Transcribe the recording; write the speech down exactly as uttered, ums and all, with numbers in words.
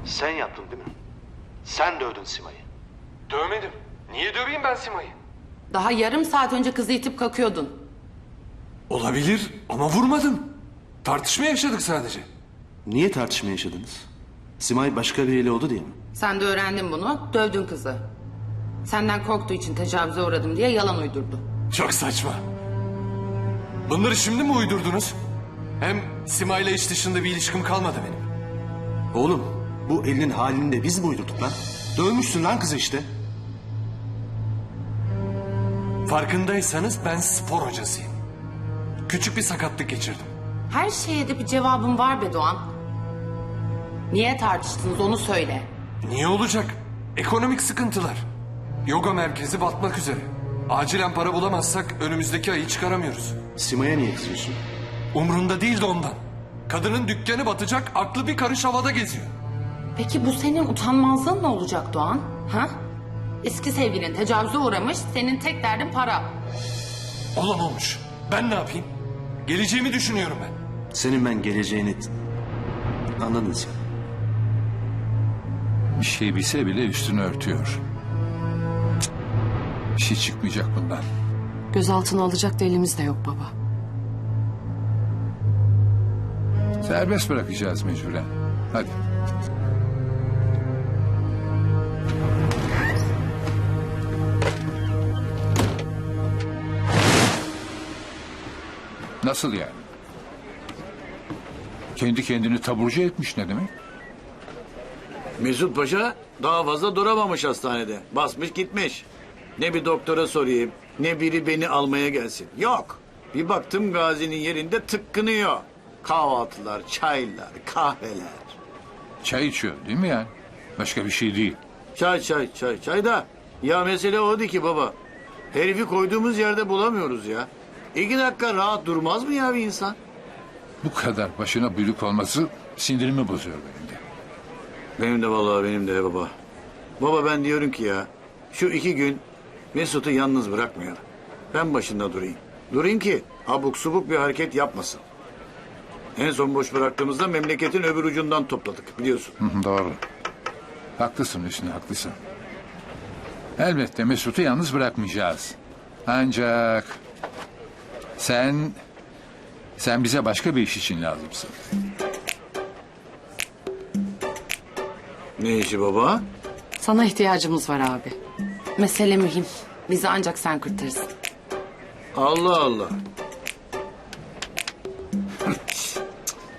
Sen yaptın değil mi? Sen dövdün Sima'yı. Dövmedim. Niye döveyim ben Sima'yı? Daha yarım saat önce kızı itip kakıyordun. Olabilir ama vurmadım. Tartışma yaşadık sadece. Niye tartışma yaşadınız? Simay başka biriyle oldu diye mi? Sen de öğrendin bunu, dövdün kızı. Senden korktuğu için tecavüze uğradım diye yalan uydurdu. Çok saçma. Bunları şimdi mi uydurdunuz? Hem Sima'yla iş dışında bir ilişkim kalmadı benim. Oğlum bu elinin halini de biz mi uydurduk lan? Dövmüşsün lan kızı işte. Farkındaysanız ben spor hocasıyım. Küçük bir sakatlık geçirdim. Her şeye de bir cevabın var be Doğan. Niye tartıştınız onu söyle. Niye olacak? Ekonomik sıkıntılar. Yoga merkezi batmak üzere. Acilen para bulamazsak önümüzdeki ayı çıkaramıyoruz. Sima'ya niye kızıyorsun? Umrunda değil de ondan. Kadının dükkanı batacak, aklı bir karış havada geziyor. Peki bu senin utanmazlığın ne olacak Doğan? Ha? Eski sevgilin tecavüze uğramış, senin tek derdin para. Olan olmuş. Ben ne yapayım? Geleceğimi düşünüyorum ben. Senin ben geleceğini... Anladın sen. Bir şey bilse bile üstünü örtüyor. Cık, bir şey çıkmayacak bundan. Gözaltına alacak da elimiz de yok baba. Serbest bırakacağız mecburen. Hadi. Nasıl yani? Kendi kendini taburcu etmiş ne demek? Mesut Paşa daha fazla duramamış hastanede. Basmış gitmiş. Ne bir doktora sorayım, ne biri beni almaya gelsin. Yok. Bir baktım Gazi'nin yerinde tıkkınıyor. Kahvaltılar, çaylar, kahveler. Çay içiyor değil mi yani? Başka bir şey değil. Çay çay çay çay da. Ya mesele o değil ki baba. Herifi koyduğumuz yerde bulamıyoruz ya. İki dakika rahat durmaz mı ya bir insan? Bu kadar başına buyruk olması sindirimi bozuyor benim de. Benim de vallahi benim de baba. Baba ben diyorum ki ya şu iki gün Mesut'u yalnız bırakmayalım. Ben başında durayım. Durayım ki abuk subuk bir hareket yapmasın. En son boş bıraktığımızda memleketin öbür ucundan topladık biliyorsun. Hı hı, doğru. Haklısın Hüsnü, haklısın. Elbette Mesut'u yalnız bırakmayacağız. Ancak sen sen bize başka bir iş için lazımsın. Ne işi baba? Sana ihtiyacımız var abi. Mesele mühim. Bizi ancak sen kurtarırsın. Allah Allah.